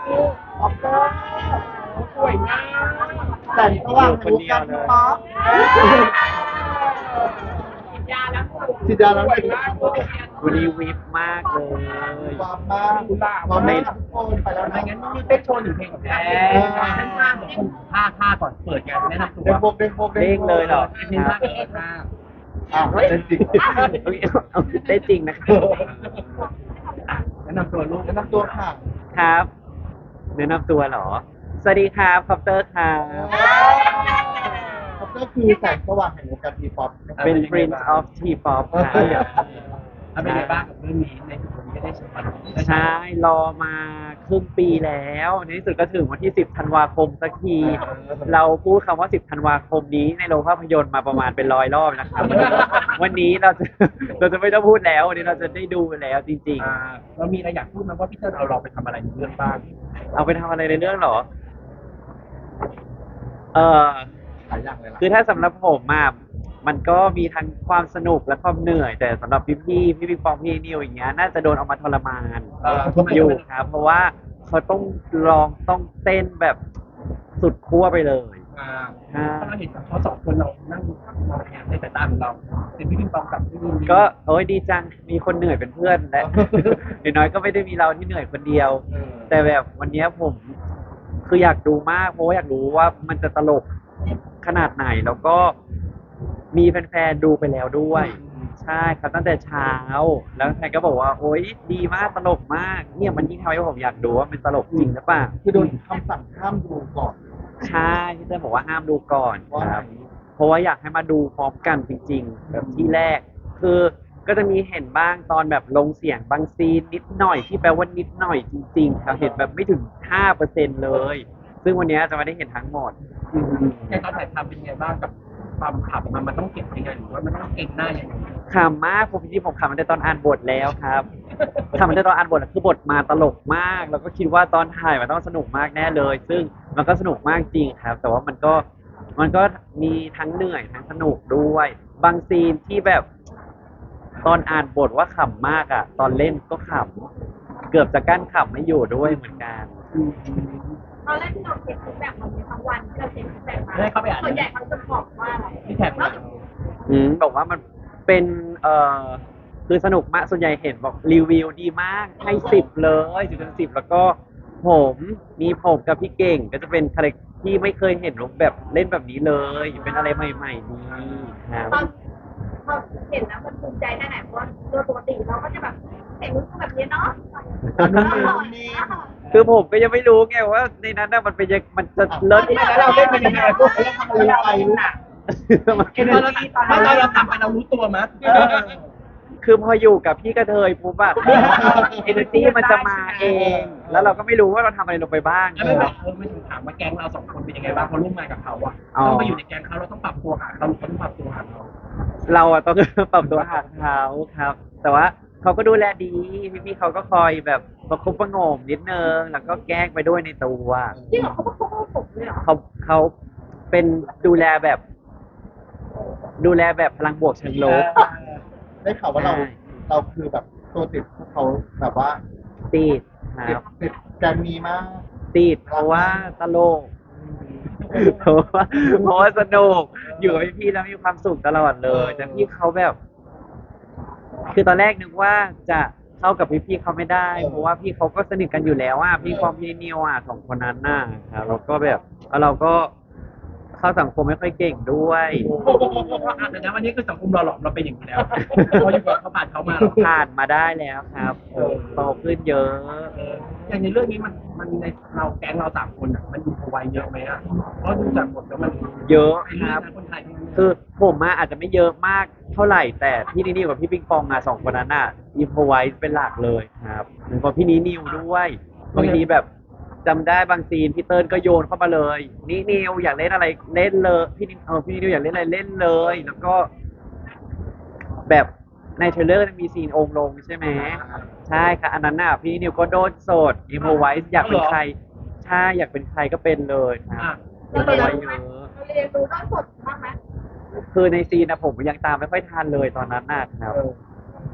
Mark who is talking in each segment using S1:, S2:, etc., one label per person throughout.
S1: ออกก็
S2: สวยมาก
S1: แสงสว่างในวงการทีป๊อป
S2: ยาแล้ว
S1: จิตยาแล้วเป็น
S3: วันนี้วิบมากเลย
S1: ความมากความไม่ทุกคนไปแล้วนะ
S2: ไม่งั้นนี่เต้นโชว์หนึ่งเพลงแท้เต้นท่าของคนท่าก่อนเปิดกันแนะนำตัว
S1: เด้งโบกเด้งโบก
S3: เด้งเลยเหรอ
S2: เต้นท่าเต้นท่า
S1: อ้าวเต้นจริง
S3: เอาได้จริงนะครับ
S2: แนะนำตัวลูก
S1: แนะนำตัวค่ะ
S3: ครับแนะนำตัวเหรอ สวัสดีครับคอปเตอร์ครับ
S1: ก็คือแสงสว่างแห่งวงการทีป๊อป
S3: เป็น Prince of T-pop ครับ
S2: เป็นไงบ้างกับเรื่องนี้ในจุดนี้ก็ได้ชม
S3: ใช่รอมาครึ่งปีแล้วในที่สุดก็ถึงวันที่ 10 ธันวาคมสักที เราพูดคำว่า 10 ธันวาคมนี้ในโรงภาพยนตร์มาประมาณเป็น100 รอบนะครับ วันนี้เราจะไม่ต้องพูดแล้ววันนี้เราจะได้ดูแล้วจริง
S2: เรามีอะไรอยากพูดไหมว่าพี่เติ้ลเอาเราไปทำอะไรในเรื่องบ้าง
S3: ๆ เอาไปทำอะไรในเรื่องเหรอ
S1: หลายอย่างเลยล่ะ
S3: คือถ้าสำหรับผมอะมันก็มีทั้งความสนุกและความเหนื่อย แต่สำหรับพี่ปิงปองพี่นิวอย่างเงี้ยน่าจะโดนเอามาทรมานอยู่ครับ เพราะว่าเขาต้องต้องเต้นแบบสุดขั้วไปเลย
S2: ถ้าเราเห็นเขาสองคนเรานั่งมองแอบในสายตาของเราเป็นพี่ปิงปองกับพี่นิว
S3: ก็โอ้ยดีจังมีคนเหนื่อยเป็นเพื่อนและ อย่างน้อยก็ไม่ได้มีเราที่เหนื่อยคนเดียว แต่แบบวันเนี้ยผมคืออยากดูมากเพราะว่าอยากรู้ว่ามันจะตลกขนาดไหนแล้วก็มีแฟนๆดูไปแล้วด้วย ใช่ครับตั้งแต่เช้า แล้วแฟนก็บอกว่าโอ๊ยดีมากตลกมาก เนี่ยมันยิ่งทำให้ผมอยากดูว่ามันตลกจริงหรือเปล่า
S1: คือโดนคำสั่งห้ามดูก่อน
S3: ใช่ที่เต้ยบอกว่าห้ามดูก่อน
S1: ว่า
S3: ครับ เพราะว่าอยากให้มาดูพร้อมกันจริงๆแบบที่แรก คือก็จะมีเห็นบ้างตอนแบบลงเสียงบางซีนนิดหน่อยที่แปลว่านิดหน่อยจริงๆครับเห็นแบบไม่ถึง 5% เลย ซึ่งวันนี้จะไม่ได้เห็นทั้งหมด
S2: ในตอนถ่ายทำเป็นไงบ้างกับความขำมันต้องเก็บยังไงหรือว่ามันต้องเก่งหน้ายังไง
S3: ขำมากผมจริงๆผมขำมาแต่ตอนอ่านบทแล้วครับขำมาแต่ตอนอ่านบทคือบทมาตลกมาก แล้วก็คิดว่าตอนถ่ายมันต้องสนุกมากแน่เลย ซึ่งมันก็สนุกมากจริงครับ แต่ว่ามันก็มีทั้งเหนื่อยทั้งสนุกด้วย บางซีนที่แบบตอนอ่านบทว่าขำมากอ่ะ ตอนเล่นก็ขำเกือบจะกั้นขำไม่อยู่ด้วยเหมือนกัน
S4: ตอนแรกที่เราเช็คฟีดแบ็กมันมีทั้งวันที่เราเช็คฟีดแบ็กมา
S2: ได้เข้าไปอ่าน
S4: ส่วนใหญ่เขาจะบอกว่าอะไร
S2: ที่แท็กมา
S3: บอกว่ามันเป็นคือสนุกมากส่วนใหญ่เห็นบอกรีวิวดีมากให้10เลย10 แล้วก็ผมกับพี่เก่งก็จะเป็นคาแรคที่ไม่เคยเห็นรูปแบบเล่นแบบนี้เลย เป็นอะไรใหม่ๆดีครับ
S4: ตอนพอเห็นแล้วมันภูมิใจแค่ไหนเพราะว่าโดยปกติเราก็จะแบบเห็นแบบนี้เนาะ
S3: คือผมก็ยังไม่รู้ไงว่าในนั้นน่ะมันเป็นยังมันจะเลิศ
S1: แล้วเราเล่นเป็นยังไงพวกเราทำอะไรไปรู้
S2: เอเนอร์จีตอนเราทำไปเรารู้ตัวมั้ย
S3: คือพออยู่กับพี่กระเทยปุ๊บอะ เอเนอร์จีมันจะมาเอง แล้วเราก็ไม่รู้ว่าเราทำอะไรลงไปบ้าง
S2: แล้วไม่บอกไม่ถึงถามว่าแก๊งเราสองคนเป็นยังไงบ้างเขาร่วมงานกับเขาอะเราไปอยู่ในแก๊งเขาเราต้องปรับตัวหาเขาต้องปรับตัวหาเรา
S3: เราอะต้อง ปรับตัวหาเขาครับ แต่ว่าเขาก็ดูแลดีพี่ๆเขาก็คอยแบบประคบประหงมนิดนึงแล้วก็แกล้งไปด้วยในตัว
S4: จริงเหรอเขาก็โกหกผมเลยเหรอ
S3: เขาเป็นดูแลแบบพลังบวกเชิงลบ
S1: ได้ข่าวว่าเราคือแบบตัวติดพวกเขาแบบว่า
S3: ติดครับ
S1: ติดแกมมีมาก
S3: ติดเพราะว่าตลกเพราะว่าสนุกอยู่กับพี่ๆแล้วมีความสุขตลอดเลยแต่พี่เขาแบบ คือตอนแรกนึกว่าจะเข้ากับพี่ๆเขาไม่ได้ เพราะว่าพี่เขาก็สนิทกันอยู่แล้วอ่ะพี่ความพี่นิวอ่ะสองคนนั้นน่ะครับแล้วก็แบบแล้วเราก็เข้าสังคมไม่ค่อยเก่งด้วย
S2: แต่นะวันนี้คือสังคมหล่อหลอมเราเป็นอย่างนี้แล้วพออยู่กับเขาผ่านเขามา
S3: ผ่านมาได้แล้วครับโตขึ้นเยอะ
S2: อย่างในเรื่องนี้มันในเราแก๊งเราสามคนอ่ะมันอยู่พวัยเยอะไหมอ่ะเพราะดูจากบทแล้วมัน
S3: เยอะ
S2: เป็น
S3: ค
S2: เรื่อ
S3: รั
S2: ง
S3: บ
S2: นะคนไทย
S3: คือผมอะอาจจะไม่เยอะมากเท่าไหร่ แต่พี่นิวกับพี่ปิงปองอะสองคนนั้นอะอิมพอไว้เป็นหลักเลยครับหรือพอพี่นิวด้วยบางทีแบบจำได้บางซีนพี่เติ้ลก็โยนเข้ามาเลยนี่นิวอยากเล่นอะไรเล่นเลยพี่นิวอยากเล่นอะไรเล่นเลย แล้วก็ แบบในเทรลเลอร์มีซีนองค์ลงใช่ไหมใช่ค่ะอันนั้นน่ะพี่นิวก็โดนโสดอิมพอไว้อยากเป็นใครใช่อยากเป็นใครก็เป็นเลยครับอิมพอไว้เยอะ
S4: เราเรียนรู้ด้านสดบ้างไหม
S3: คือในซีนนะผมยังตามไม่ค่อยทันเลยตอนนั้นนะครับ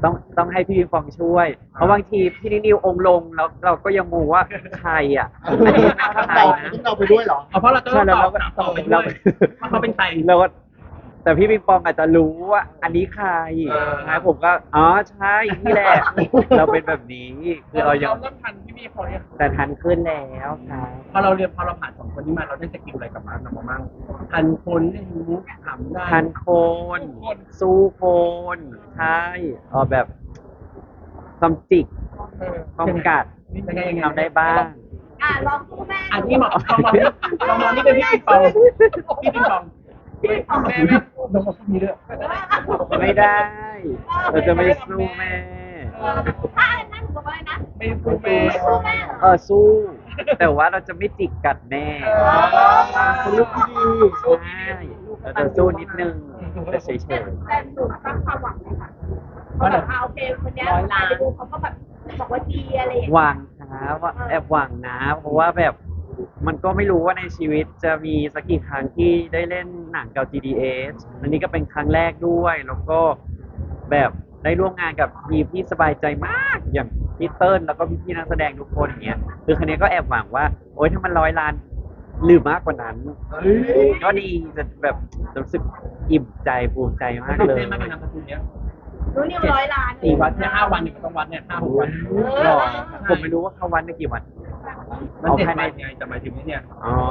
S3: ต้องให้พี่ปิงปองช่วย เพราะบางทีพี่นิวองค์ลงแล้วเราก็ยังงงว่าใครอ่ะอันนี้ใคร
S1: ต้อง
S3: นะ
S1: เราไปด้วยเหรอ
S2: เอาเพราะเราจะต้องตอบต่อไปด้วยว่าเขาเป็นใคร
S3: เราก็แต่พี่ปิงปองอาจจะรู้ว่าอันนี้ใครนะผมก็อ๋อใช่นี่แหละ เราเป็นแบบนี้คือเรายัง
S2: เริ่มทันพี่เขาเนี่ย
S3: แต่ทันขึ้นแล้วครับ
S2: พอเราผ่านสองคนนี้มาเราได้สกิลอะไรกลับมาเราบ้างทันคนเล่นมุกถามได้
S3: ทันโคนสู้โคนใช่แบบความจิกความกัด
S2: ยังไง
S3: ทำได้บ้าง
S4: ลองสู้แม่
S2: อันนี้เหมาะลองมองนี่เป็นพี่ปิงปองพี่ปิงปองแม่ลงมาพูดนี้ด้วย
S3: ไม่ได้ เราจะไม่สู้แม่
S4: ถ้าอันนั้นบอกว่าอะไรนะ
S2: ไม่พูดแม่
S4: ไม่สู้แม่เหรอ
S3: สู้ แต่ว่าเราจะไม่จิกกัดแม่
S1: เป็นลูกที่ดี
S3: ใช่เราจะสู้นิดนึงแต่เฉย
S4: แต่หนูตั้งความหวังไหมคะว่าแบบโอเคคนนี้ไปดูเขาก็แบบบอกว่าดีอะไรอย่าง
S3: ๆ
S4: เงี้ย
S3: หวังนะว่าแอบหวังนะ เพราะว่าแบบมันก็ไม่รู้ว่าในชีวิตจะมีสักกี่ครั้งที่ได้เล่นหนังกับ GDS อันนี้ก็เป็นครั้งแรกด้วย แล้วก็แบบได้ร่วมงานกับทีมที่สบายใจมาก อย่างพี่เติ้ลแล้วก็พี่ๆนักแสดงทุกคนเนี้ยคือครั้งนี้ก็แอบหวังว่า โอ๊ยถ้ามัน100 ล้านหรือมากกว่านั้น ก็ดีจะแบบรู้สึกอิ่มใจภูมิใจมากเลย
S2: เต้นมากเลยนะคุณเนี้ย
S4: รู้นิว100 ล้าน
S2: 4 วันเนี่ย5 วันเนี่ยต้องวัดเนี่ย5-6 วัน
S3: หรอผมไม่รู้ว่าเขาวันได้กี่วัน
S2: มัน7 วันไงแต่หมายถึงเนี่ย
S3: อ๋อ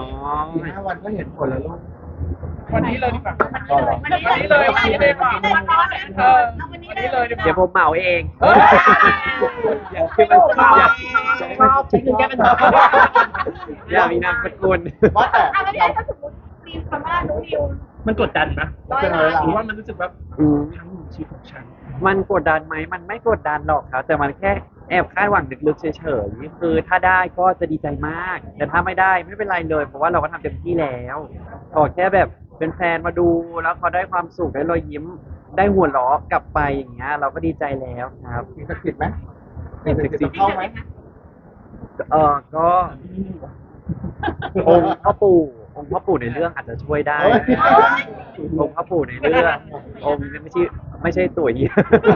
S1: 5 วันก็เห็นผลแล้วลูก
S2: วันนี้เลยดีกว่า
S4: วันนี้เลยวันนี้เลยวันนี้เลย
S3: เดี๋ยวผมเหมาเอง
S2: เฮ้ย
S3: อยากขึ้นมาอยาก
S2: ชอบใช้เงินแก้ปัญหา
S3: อยากมีนามสกุล
S1: ว่าแต่
S4: ไม่ได้ถ้าสมมติมีคำว่ารู้นิว
S2: มันกดดันนะ
S4: 100 ล้าน
S2: หรือว่ามันรู้สึกแบบ
S3: อืม
S2: ทั้งชีวิตของฉัน
S3: มันกดดันไหม มันไม่กดดันหรอกครับ แต่มันแค่แอบคาดหวังลึกๆเฉยๆ คือถ้าได้ก็จะดีใจมาก แต่ถ้าไม่ได้ไม่เป็นไรเลย เพราะว่าเราก็ทำเต็มที่แล้วขอแค่แบบเป็นแฟนมาดูแล้วเขาได้ความสุขได้รอยยิ้ม ได้หัวเราะกลับไปอย่างเงี้ยเราก็ดีใจแล้วครับ
S1: มีสกิดไหมมีสกิดเข้าไหม
S3: ก็องค์พ่อปู่ในเรื่องอาจจะช่วยได้ องค์พ่อปู่ในเรื่ององค์ไม่ใช่ตัวเหี้ย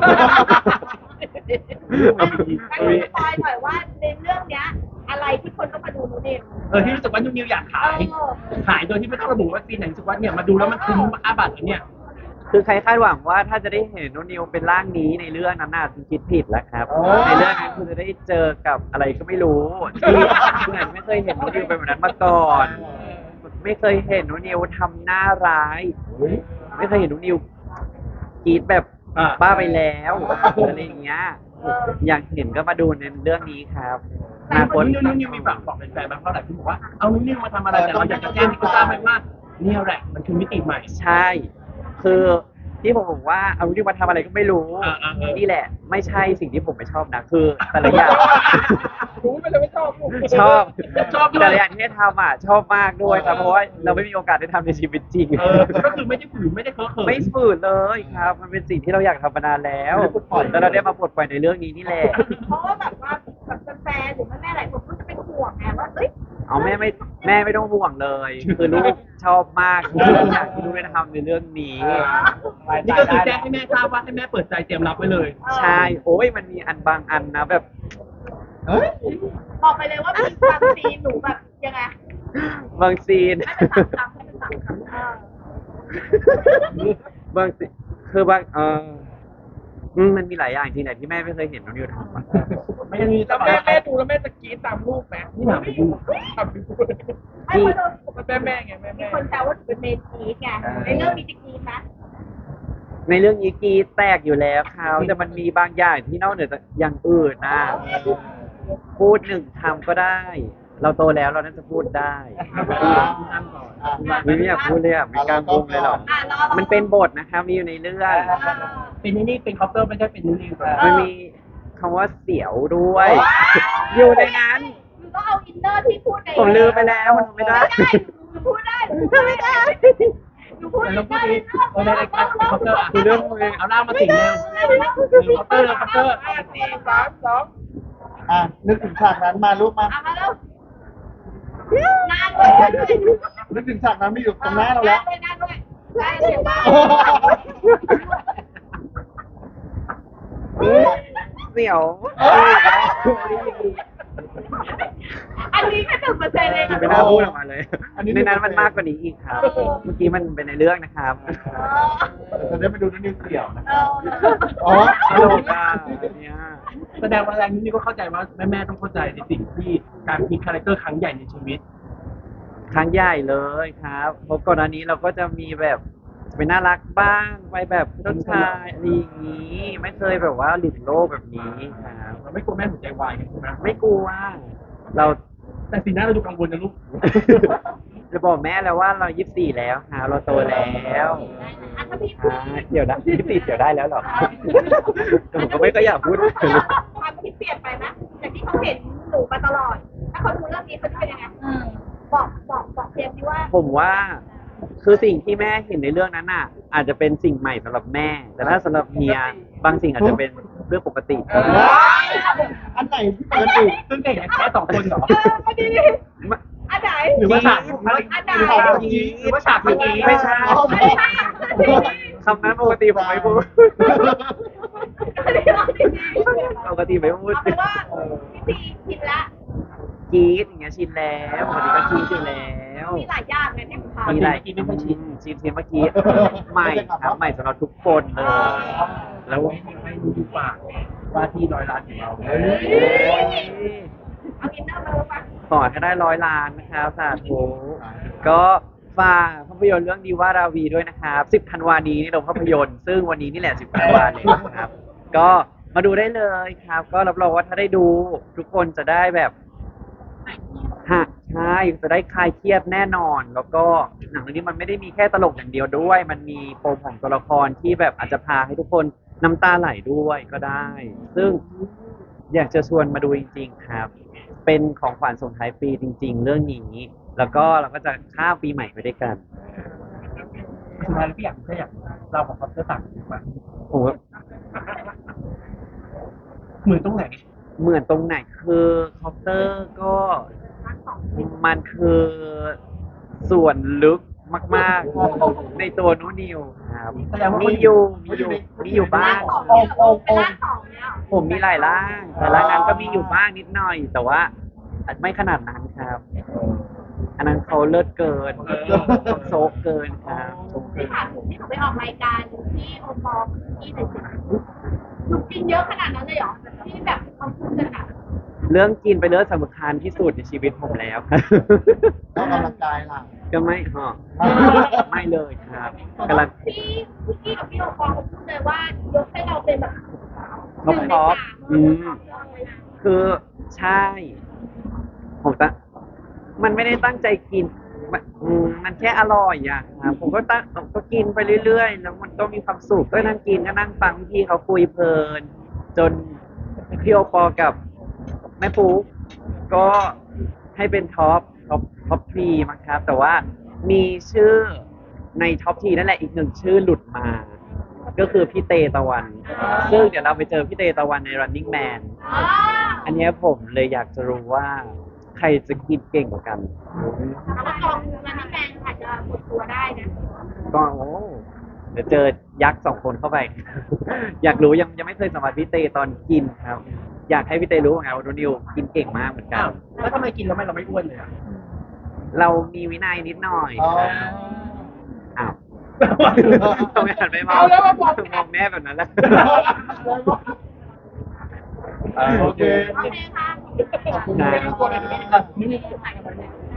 S4: ให้สปอยหน่อยว่าในเรื่องเนี้ยอะไรที่คนต้องมาดูนูนิว
S2: ที่รู้สึกว่านิวอยากขายโดยที่ไม่ต้องระบุว่าซีนไหนรู้สึกว่าเนี่ยมาดูแล้วมันคุ้มค่าบัตรเนี่ย
S3: คือใครคาดหวังว่าถ้าจะได้เห็นโนนิวเป็นร่างนี้ในเรื่องนั้นน่ะคิดผิดแล้วครับ ในเรื่องนั้นคุณจะได้เจอกับอะไรก็ไม่รู้ที่เหมือนไม่เคยเห็นโนนิวเป็นแบบนั้นมาก่อน ไม่เคยเห็นโนนิวทำหน้าร้าย ไม่เคยเห็นโนนิวกรีดแบบบ้าไปแล้วอะไรอย่างเงี้ยอยากเห็นก็มาดูในเรื่องนี้ครับ
S2: แต่คนนิวมีฝากบอกแฟนๆบ้างเพราะหลายคนบอกว่าเอานิวมาทำอะไรแต่เราอยากจะแจ้งให้เขาทราบไหมว่าเนี่ยแหละมันคือมิติใหม่
S3: ใช่ คือที่ผมบอกว่าเอาที่มาทำอะไรก็ไม่รู้ นี่แหละ ไม่ใช่สิ่งที่ผมไม่ชอบนะ คือแต่ละอย่าง
S2: รู้ไปเลยไม่ชอบ
S3: ชอบ
S2: ชอบด้วย
S3: แต่ละอย่างที่ได้ทำอ่ะชอบมากด้วยครับ เพราะว่าเราไม่มีโอกาสได้ทำในชีวิตจริง
S2: ก็คือไม่ได้ฝืนไม่ได้เคอะเขิน
S3: ไม่ฝืนเลยครับ มันเป็นสิ่งที่เราอยากทำมานานแล้วแล้วเราได้มาปลดปล่อยในเรื่องนี้นี่แหละ
S4: เพราะว่าแบบว่าแบบแฟนหรือแม่หลายคนก็จะเป็นห่วงไงว่าเอ้ย
S3: เอาแม่ไม่ต้องห่วงเลย คือลูกชอบมากทุกอย่างที่ลูกได้ทำในเรื่องนี้
S2: นี่ก็คือแจ้งให้แม่ทราบว่าให้แม่เปิดใจเตรียมรับไว้เลย
S3: ใช่ โอ้ยมันมีอันบางอันนะแบบ
S1: เฮ้ย
S4: บอกไปเลยว่ามีความซีนหนูแบบยังไง
S3: บางซีน
S4: ให้เป็น3 คำให้เป็น3 คำ
S3: บางสิคือบางมันมีหลายอย่างจริงแหละที่แม่ไม่เคยเห็นน้องนิวทำอะ
S2: ไม่ยังมี
S5: แล้วแม่ดูแล้วแม่จะกรี๊ดตามลูกไหม
S2: นี่หนาไปดู
S5: ทำดู
S4: ให้คนโดน
S5: มันแม่ไงแม่
S4: มีคนแซวว่าหนูเป็นเมนกีดไงในเรื่องมีจะกีดไหม
S3: ในเรื่องนี้กรีดแตกอยู่แล้วเขาแต่มันมีบางอย่างที่นอกเหนือจากอย่างอื่นนะพูด1 คำก็ได้ เราโตแล้วเราน่าจะพูดได้ ไม่อยากพูดเลยอ่ะไม่กล้าพูดเลยหรอก มันเป็นบทนะครับมีอยู่ในเรื่อง
S2: เป็นนี่เป็นคอปเตอร์ไม่ใช่เป็นนิว
S3: มันมีคำว่าเสียวด้วย อยู่ในนั้น
S4: หนูต้องเอาอินเนอร์ที่พูดใน
S3: ผมลืมไปแล้วมันไม่ได้
S4: หนูพูดได้หนูพูดไม่ได้หนูพูด
S2: แต่
S4: ไม่
S2: เราพู
S4: ได้
S2: ดในรายการคอปเตอร์
S3: คือเรื่องมึง
S2: เอาล่างมาสิงเร็วคอปเตอร์คอปเตอร์
S5: 4 3 2
S1: นึกถึงฉากนั้นมาลูกมา
S4: เอามาแล้วนานด้วย
S1: นึกถึงฉากนั้นไม่อยู่ตรงหน้าเราแล้ว
S4: นานด้วยได้เสียบ้าง
S3: เสี่ยว
S4: อันนี้แค่1%เองอะ
S3: ไม่น่าพูดออกมาเลย
S1: อันนี้
S3: ในนั้นมันมากกว่านี้อีกครับ เมื่อกี้มันเป็นในเรื่องนะครับ
S1: จะได้ไปดูนิวเสี่ยวนะ
S4: เออ
S1: อ๋อ
S3: ตลกอ่ะเนี่ย
S2: แสดงว่าแรงนี้ก็เข้าใจว่าแม่ต้องเข้าใจในสิ่งที่การพลิกคาแรคเตอร์ครั้งใหญ่ในชีวิต
S3: ครั้งใหญ่เลยครับเพราะก่อนหน้านี้เราก็จะมีแบบไปน่ารักบ้างไปแบบเจ้าชายอะไรอย่างนี้ ไม่เคยแบบว่าหลุดโลกแบบนี้ครับ
S2: เราไม่กลัวแม่หัวใจวายกันใช่ไหม
S3: ไม่กลัวเรา
S2: แต่สีหน้าเราดูกังวลนะลูก
S3: จะบอกแม่แล้วว่าเรา24แล้วครับเราโตแล้ว
S4: อ่ะถ้าพี่
S3: เดี๋ยวนะ24เดี๋ยวได้แล้วเหรอแต่ผมก็ไม่ก็อยากพูด
S4: ความคิดเปลี่ยนไปนะจากที่เขาเห็นหนูมาตลอด ถ้าเขาดูเรื่องนี้เขาจะเป็นยังไงบอกเพียงที่ว่า
S3: ผมว่าคือสิ่งที่แม่เห็นในเรื่องนั้นน่ะ อาจจะเป็นสิ่งใหม่สำหรับแม่ แต่ถ้าสำหรับเฮียบางสิ่งอาจจะเป็นเรื่องปกติ
S1: อันไหนที่ปกติ
S2: ซึ่งเด็กแค่2 คนเหรอ
S4: อันนี้อันไหน
S2: หรือว่าฉาก
S4: อันไหน
S2: หรือว่าฉากเมื่อกี้
S3: ไม่ใช่
S4: ไม่ใช่
S3: คำนั้นปกติผมไม่พูด
S4: อันนี้เราจริง
S3: ปกติไม่พูด
S4: เอาเป็นว่าพี่ซีชินละ
S3: กรีดอย่างเงี้ยชินแล้วปกติก็กรีดอยู่แล้ว
S4: มีหลายอย่างไงที่ทำ
S3: มีหลายชินเมื่อกี้ใหม่ครับใหม่สำหรับทุกคนเลย แล้ว
S2: ให้ดูปากว่าที่100 ล้านของเรา
S4: เอาอินเนอร์มาเลยปะ
S3: ขอให้ได้100 ล้านนะครับสาธุก็ฝากภาพยนตร์เรื่องดีว่าราวีด้วยนะครับ10 ธันวานี้ในโรงภาพยนตร์ซึ่งวันนี้นี่แหละ10 ธันวาเลยนะครับ ก็มาดูได้เลยครับ ก็รับรองว่าถ้าได้ดูทุกคนจะได้แบบใช่จะได้คลายเครียดแน่นอน แล้วก็หนังเรื่องนี้มันไม่ได้มีแค่ตลกอย่างเดียวด้วย มันมีปมของตัวละครที่แบบอาจจะพาให้ทุกคนน้ำตาไหลด้วยก็ได้ ซึ่งอยากจะชวนมาดูจริงๆครับ เป็นของขวัญส่งท้ายปีจริง ๆ เรื่องนี้ แล้วก็เราก็จะข้ามปีใหม่ไปด้วยกัน
S2: สุดท้ายแล้วพี่อยากเราของคอปเตอร์ต่างกันไหม
S3: โอ้โห
S2: เหมือนตรงไหน
S3: เหมือนตรงไหนคือคอปเตอร์ก็มันคือส่วนลึกมากๆ ในตัวนูนิวครับ
S2: แสดงว่า
S3: มี
S2: มี
S3: อยู่บ้าง
S4: เป็นร่างสองเนี่ย
S3: ผมมีหลายร่าง แต่ร่างนั้นก็มีอยู่บ้างนิดหน่อย แต่ว่าไม่ขนาดนั้นครับ อันนั้นเขาเลิศเกินเขาโซกเกินครับโซกเกิ
S4: ที่
S3: น
S4: ถามถึงที่หนูไปออกรายการที่โอปอล์ที่หนึ่งหนูกินเยอะขนาดนั้นเลยเหรอที่แบบเขาพูดกันอะ
S3: เรื่องกินไปนเรื่องสำคัญที่สุดในชีวิตผมแล้วครับ
S1: แล้วกำลังกายล่ะ
S3: ก็ไม่ไม่เลยครับกำลัง
S4: พี่กี้กับพี่โอปอล์เขาพูดเลยว่ายกให้เราเป็นแบบ
S3: ท็อปคือใช่ ผมมันไม่ได้ตั้งใจกิน มันแค่อร่อยอ่ะครับผมก็กินไปเรื่อยๆ แล้วมันก็มีความสุขก็นั่งกินก็นั่งฟังพี่เขาคุยเพลิน จนพี่โอปอกับแม่ปุ๊กก็ให้เป็นท็อปทรีมั้งครับ แต่ว่ามีชื่อในท็อปทีนั่นแหละอีกหนึ่งชื่อหลุดมา ก็คือพี่เตตะวัน ซึ่งเดี๋ยวเราไปเจอพี่เตตะวันใน Running Man อันเนี้ยผมเลยอยากจะรู้ว่าใครจะกินเก่งกว่ากัน
S4: แล้วก็กองมันนี่แมนอาจจะหมดตัวได้นะ
S3: ก็เดี๋ยวเจอยักษ์2 คนเข้าไป อยากรู้ยังไม่เคยสัมผัสพี่เตตอนกินครับ อยากให้พี่เตรู้ไงว่าโดนิวกินเก่งมากเหมือนกั
S2: อ้าน วแล้วทำไมกินแล้วเราไม่อ้วนเลยอ่ะ
S3: เรามีวินัยนิดหน่อย
S1: อ๋อ
S3: อ้าวทำไมหันไปมองมองแม่แบบนั้นล่ะ
S1: โอเค
S4: โอเคค่ะ
S1: ขอบคุณมาก
S2: นี่